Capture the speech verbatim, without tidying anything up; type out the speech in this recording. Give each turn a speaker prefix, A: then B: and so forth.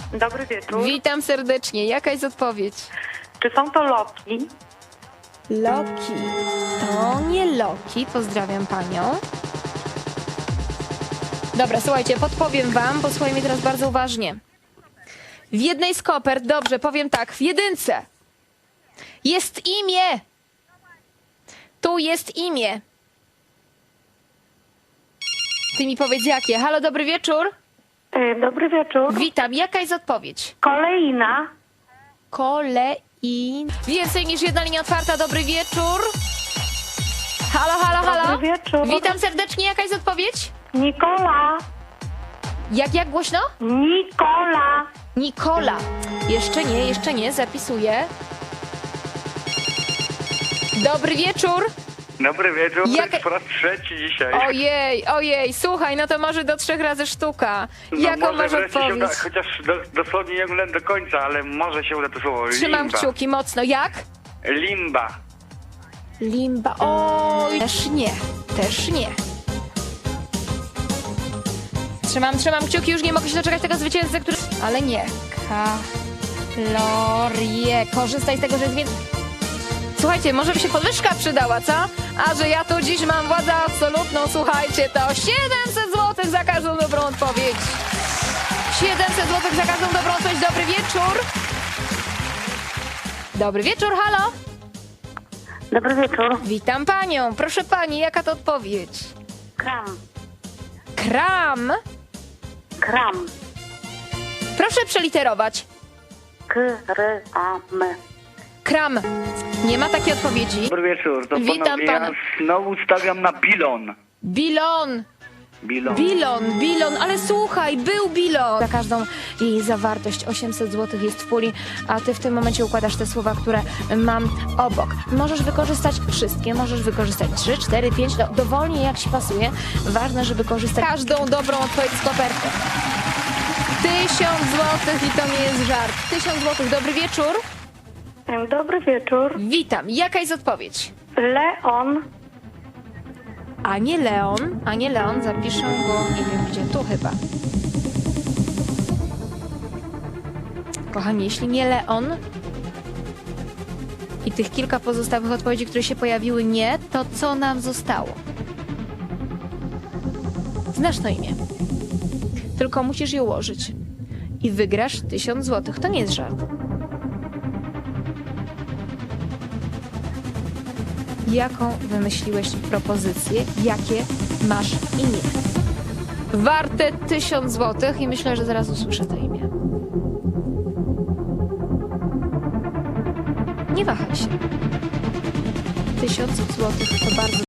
A: Dobry wieczór.
B: Witam serdecznie. Jaka jest odpowiedź?
A: Czy są to Loki?
B: Loki. To nie Loki. Pozdrawiam panią. Dobra, słuchajcie, podpowiem wam, posłuchaj mnie teraz bardzo uważnie. W jednej z kopert, dobrze, powiem tak, w jedynce jest imię. Tu jest imię. Ty mi powiedz jakie. Halo, dobry wieczór.
A: E, dobry wieczór.
B: Witam. Jaka jest odpowiedź?
A: Kolejna.
B: Kolei. Więcej niż jedna linia otwarta. Dobry wieczór. Halo, halo, halo.
A: Dobry wieczór.
B: Witam serdecznie. Jaka jest odpowiedź?
A: Nikola.
B: Jak, jak głośno?
A: Nikola.
B: Nikola. Jeszcze nie, jeszcze nie. Zapisuję. Dobry wieczór.
C: Dobry wieczór, to
B: Jaka-
C: jest po raz trzeci dzisiaj.
B: Ojej, ojej. Słuchaj, no to może do trzech razy sztuka.
C: No
B: Jaką
C: może
B: masz
C: wreszcie się uda,
B: odpowiedź?
C: chociaż do, dosłownie nie oglądam do końca, ale może się uda to słowo.
B: Trzymam
C: Limba.
B: kciuki mocno. Jak?
C: Limba.
B: Limba. Oj, też nie. Też nie. Trzymam, trzymam kciuki, już nie mogę się doczekać tego zwycięzcy, który... Ale nie. Kalorie. Korzystaj z tego, że jest więcej... Słuchajcie, może by się podwyżka przydała, co? A że ja tu dziś mam władzę absolutną, słuchajcie, to siedemset złotych za każdą dobrą odpowiedź. siedemset złotych za każdą dobrą odpowiedź. Dobry wieczór. Dobry wieczór, halo.
A: Dobry wieczór.
B: Witam panią. Proszę pani, jaka to odpowiedź?
A: Kram.
B: Kram.
A: Kram.
B: Proszę przeliterować.
A: K, R, A, M.
B: Kram. Nie ma takiej odpowiedzi.
C: Dobry wieczór, to
B: Witam
C: panowie,
B: pana.
C: ja znowu stawiam na bilon.
B: Bilon.
C: Bilon.
B: Bilon, bilon, ale słuchaj, był bilon. Za każdą jej zawartość osiemset złotych jest w puli, a ty w tym momencie układasz te słowa, które mam obok. Możesz wykorzystać wszystkie, możesz wykorzystać trzy, cztery, pięć, do, dowolnie jak ci pasuje. Ważne, żeby korzystać każdą dobrą odpowiedź z koperty. Tysiąc złotych i to nie jest żart. Tysiąc złotych, dobry wieczór.
A: E, Dobry wieczór.
B: Witam, jaka jest odpowiedź?
A: Leon.
B: A nie Leon, a nie Leon, zapiszę go, nie wiem gdzie, tu chyba. Kochani, jeśli nie Leon i tych kilka pozostałych odpowiedzi, które się pojawiły nie, to co nam zostało? Znasz to imię. Tylko musisz je ułożyć. I wygrasz tysiąc złotych. To nie jest żart. Jaką wymyśliłeś propozycję? Jakie masz imię? Warte tysiąc złotych i myślę, że zaraz usłyszę to imię. Nie wahaj się. Tysiąc złotych to bardzo